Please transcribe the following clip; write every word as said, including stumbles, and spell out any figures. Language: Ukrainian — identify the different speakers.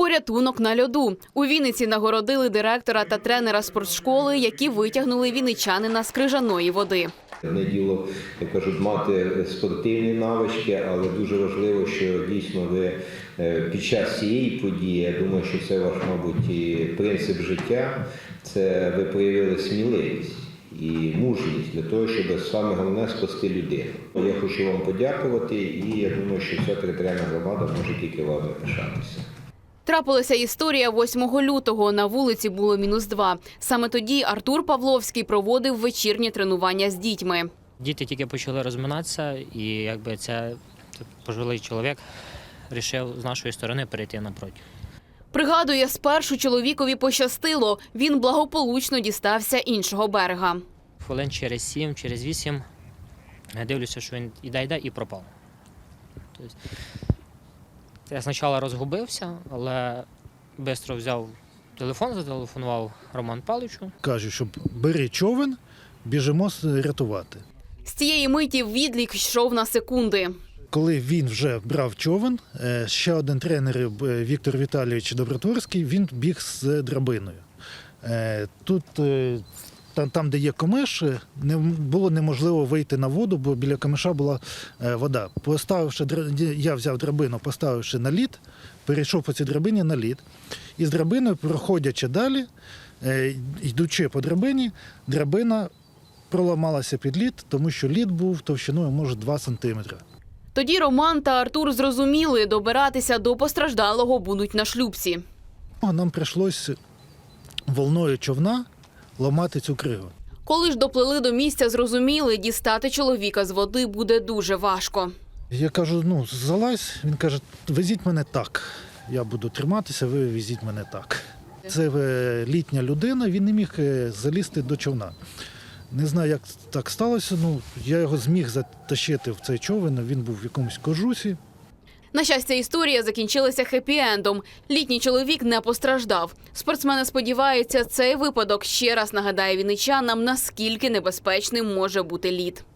Speaker 1: Порятунок на льоду. У Вінниці нагородили директора та тренера спортшколи, які витягнули вінничанина з крижаної води.
Speaker 2: Не діло, як кажуть, мати спортивні навички, але дуже важливо, що дійсно ви під час цієї події, я думаю, що це ваш, мабуть, і принцип життя, це ви проявили сміливість і мужність для того, щоб саме головне спасти людину. Я хочу вам подякувати і я думаю, що вся територіальна громада може тільки вами пишатися.
Speaker 1: Трапилася історія восьмого лютого. На вулиці було мінус два. Саме тоді Артур Павловський проводив вечірнє тренування з дітьми.
Speaker 3: Діти тільки почали розминатися, і якби це пожилий чоловік вирішив з нашої сторони перейти напроти.
Speaker 1: Пригадує, спершу чоловікові пощастило. Він благополучно дістався іншого берега.
Speaker 3: Хвилин через сім, через вісім я дивлюся, що він іде-йде і пропав. Тобто, я спочатку розгубився, але швидко взяв телефон, зателефонував Роману Павловичу.
Speaker 4: Кажу, щоб бери човен, біжимо рятувати.
Speaker 1: З цієї миті відлік йшов на секунди.
Speaker 4: Коли він вже брав човен, ще один тренер, Віктор Віталійович Добротворський, він біг з драбиною. Тут, там, де є камиш, не було неможливо вийти на воду, бо біля камиша була вода. Поставивши, я взяв драбину, поставивши на лід, перейшов по цій драбині на лід. І з драбиною, проходячи далі, йдучи по драбині, драбина проламалася під лід, тому що лід був товщиною, може, два сантиметри.
Speaker 1: Тоді Роман та Артур зрозуміли, добиратися до постраждалого будуть на шлюпці.
Speaker 4: Нам прийшлося волною човна ламати цю кригу.
Speaker 1: Коли ж доплили до місця, зрозуміли, дістати чоловіка з води буде дуже важко.
Speaker 4: Я кажу, ну, залазь. Він каже, везіть мене так. Я буду триматися, ви везіть мене так. Це літня людина, він не міг залізти до човна. Не знаю, як так сталося, ну, я його зміг затащити в цей човен, він був в якомусь кожусі.
Speaker 1: На щастя, історія закінчилася хеппі-ендом. Літній чоловік не постраждав. Спортсмени сподіваються, цей випадок ще раз нагадає вінничанам, наскільки небезпечним може бути лід.